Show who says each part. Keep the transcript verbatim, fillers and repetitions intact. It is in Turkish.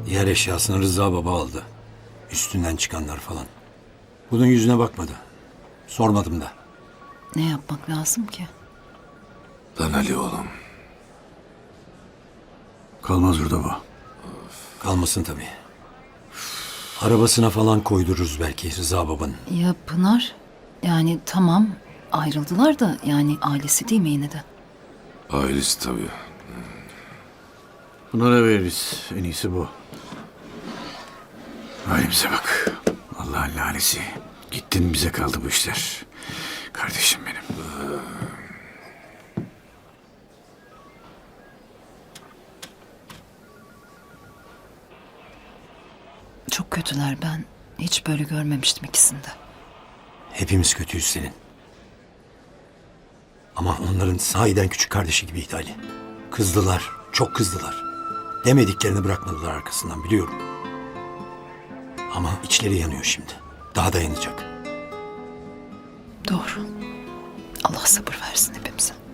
Speaker 1: Diğer eşyasını Rıza baba aldı. Üstünden çıkanlar falan. Bunun yüzüne bakmadı. Sormadım da.
Speaker 2: Ne yapmak lazım ki?
Speaker 3: Lan Ali oğlum.
Speaker 4: Kalmaz burada bu.
Speaker 1: Kalmasın tabii. Arabasına falan koydururuz belki Rıza babanın.
Speaker 2: Ya Pınar? Yani tamam ayrıldılar da yani ailesi değil mi yine de?
Speaker 3: Ailesi tabii.
Speaker 4: Bunlara veririz. En iyisi bu. Halimize bak. Allah'ın lanesi. Gittin bize kaldı bu işler. Kardeşim benim.
Speaker 2: Çok kötüler, ben hiç böyle görmemiştim ikisini de.
Speaker 1: Hepimiz kötüyüz senin. Ama onların sahiden küçük kardeşi gibiydi Ali. Kızdılar, çok kızdılar. Demediklerini bırakmadılar arkasından biliyorum. Ama içleri yanıyor şimdi. Daha dayanacak.
Speaker 2: Doğru. Allah sabır versin hepimize.